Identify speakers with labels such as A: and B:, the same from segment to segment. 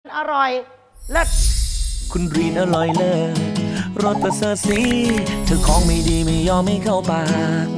A: อร่อยเลิศ
B: คุณรีนอร่อยเลิศรสประเสริฐสีเธอของไม่ดีไม่ยอมไม่เข้าปาก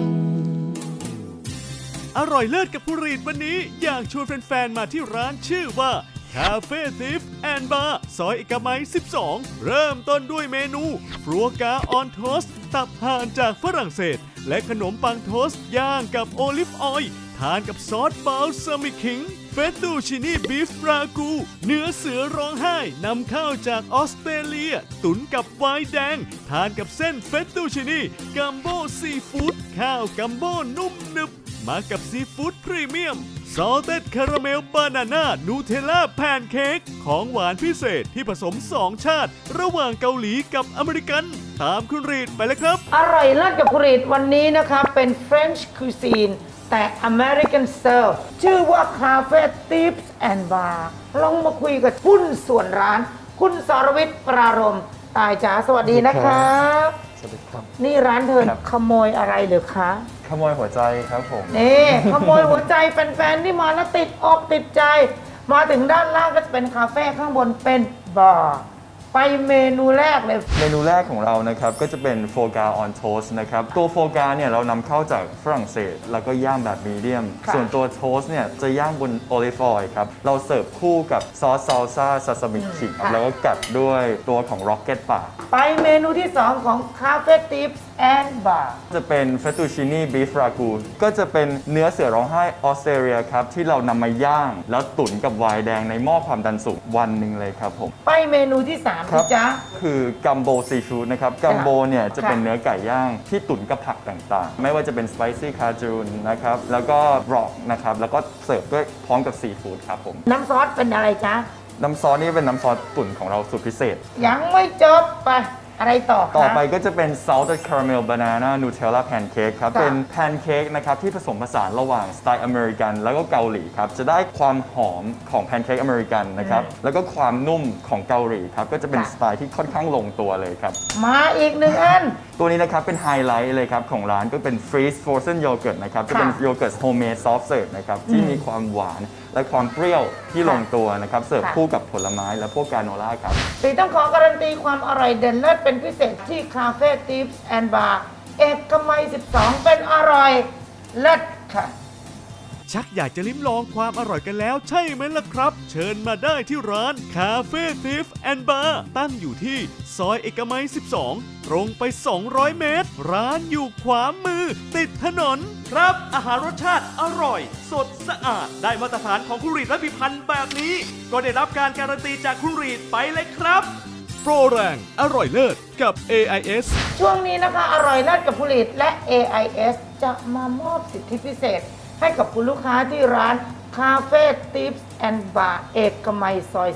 C: อร่อยเลิศกับผู้รีดวันนี้อยากชวนแฟนๆมาที่ร้านชื่อว่าคาเฟ่ทิฟแอนด์บาร์ซอยเอกมัย 12 เริ่มต้นด้วยเมนูฟรัวกาออนโทสตับห่านจากฝรั่งเศส และขนมปังโทสย่างกับโอลิฟออยล์ทานกับซอสบาลซามิคิงเฟตตูชินีบีฟรากูเนื้อเสือร้องไห้นำเข้าจากออสเตรเลียตุ๋นกับไวน์แดงทานกับเส้นเฟตตูชินีกัมโบซีฟู้ดข้าวกัมโบนุ่มนึบมากับซีฟู้ดพรีเมียมซอลเต็ดคาราเมลบานาน่านูเทลล่าแพนเค้กของหวานพิเศษที่ผสม2ชาติระหว่างเกาหลีกับอเมริกันตามคุณรีดไปเลยครับ
A: อร่อยเลิศกับผลิตวันนี้นะคะเป็น French cuisine แต่ American serve ชื่อว่า Cafe Tips and Bar ลองมาคุยกับหุ้นส่วนร้าน คุณสรวิทย์ปรารมตายจ๋าสวัสดีนะครับ
D: สวัสดีครับ
A: นี่ร้านเธอขโมยอะไรหรือคะ
D: ขโมยหัวใจครับผม
A: นี่ขโมยหัวใจแฟนๆที่มาแล้วติดอกติดใจ มาถึงด้านล่างก็จะเป็นคาเฟ่ข้างบนเป็นบาร์ไปเมนูแรกเลย
D: เมนูแรกของเรานะครับก็จะเป็นโฟกาออนโทสนะครับตัวโฟกาเนี่ยเรานำเข้าจากฝรั่งเศส แล้วก็ย่างแบบมีเดียม
A: ค่ะ
D: ส่วนตัวโทสเนี่ยจะย่างบนโอลิฟออยล์ครับเราเสิร์ฟคู่กับซอสซาลซ่าซาซามิคิ
A: ค่ะ
D: แล้วก็กัดด้วยตัวของร็อกเก็ตป่า
A: ไปเมนูที่ 2 ของ Cafe Tips and Bar
D: จะเป็นเฟตตูชินีบีฟรากูก็จะเป็นเนื้อเสือร้องไห้ออสเตรเลียครับที่เรานำมาย่าง แล้วตุ๋นกับไวน์แดงในหม้อความดันสูงวันหนึ่งเลยครับผม
A: ไปเมนูที่3
D: ครั
A: พี่จ๊ะ
D: คือกัมโบซีฟู้ดนะครับกัมโบเนี่ยจะเป็น
A: ค่ะ
D: เนื้อไก่ย่างที่ตุ๋นกับผักต่างๆ ไม่ว่าจะเป็นสไปซี่คาจูนนะครับแล้วก็ร็อกนะครับแล้วก็เสิร์ฟด้วยพร้อมกับซีฟู้ดครับผม
A: น้ำซอสเป็นอะไรจ๊ะ
D: น้ำซอสนี่เป็นน้ำซอสตุ๋นของเราสูตรพิเศษ
A: ยังไม่จบไปอะไรต่อคะ
D: ต่อไปก็จะเป็น salted caramel banana nutella pancake ครับ
A: ค่ะ
D: เป็นแพนเค้กนะครับที่ผสมผสานระหว่างสไตล์อเมริกันแล้วก็เกาหลีครับ จะได้ความหอมของแพนเค้กอเมริกันนะครับ แล้วก็ความนุ่มของเกาหลีครับ ก็จะเป็นสไตล์ที่ค่อนข้างลงตัวเลยครับ
A: มาอีก1 อัน
D: ตัวนี้นะครับเป็นไฮไลท์เลยครับของร้านก็เป็น freeze frozen yogurt นะครับ จะเป็นโยเกิร์ต homemade soft serve นะครับที่มีความหวานและความเปรี้ยวที่ลงตัวนะครับเสิร์ฟคู่กับผลไม้และพวกกราโนล่าครับ
A: ตีต้องขอการันตีความอร่อยเด่นเลิศเป็นพิเศษที่ Cafe Tips and Bar เอกมัย 12 เป็นอร่อยเลิศค่ะ
C: ชักอยากจะลิ้มลองความอร่อยกันแล้วใช่ไหมล่ะครับ เชิญมาได้ที่ร้านคาเฟ่ทิฟแอนด์บาร์ตั้งอยู่ที่ซอยเอกมัย 12 ตรงไป 200 เมตร ร้านอยู่ขวามือติดถนน ครับ อาหารรสชาติอร่อย สดสะอาด ได้มาตรฐานของคุณรีดและพิพันธ์แบบนี้ ก็ได้รับการการันตีจากคุณรีดไปเลยครับ โปรแรงอร่อยเลิศกับ AIS
A: ช่วงนี้นะคะอร่อยเลิศกับผลิตและ AIS จะมามอบสิทธิพิเศษ ให้กับคุณลูกค้าที่ร้าน Cafe Tips and Bar เอกมัยซอย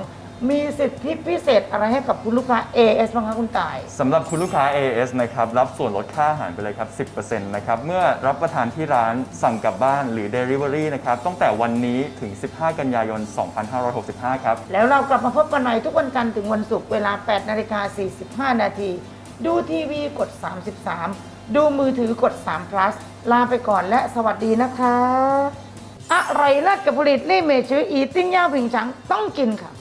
A: 12 มีสิทธิพิเศษอะไรให้กับคุณลูกค้า AIS บ้างคะคุณต่าย
D: สำหรับคุณลูกค้า AS นะครับรับส่วนลดค่าอาหารไปเลยครับ 10% นะครับเมื่อรับประทานที่ร้านสั่งกลับบ้านหรือ Delivery นะครับตั้งแต่วันนี้ถึง 15 กันยายน 2565 ครับ
A: แล้วเรากลับมาพบกันใหม่ทุกวันจันทร์ถึงวันศุกร์เวลา 8:45 นาที ดูทีวีกด 33 ดูมือถือกด3 plus ลาไปก่อนและสวัสดีนะคะ อร่อยเลิศกับผลิตลี่เมชื่ออีติ้งย่าผิงฉังต้องกินค่ะ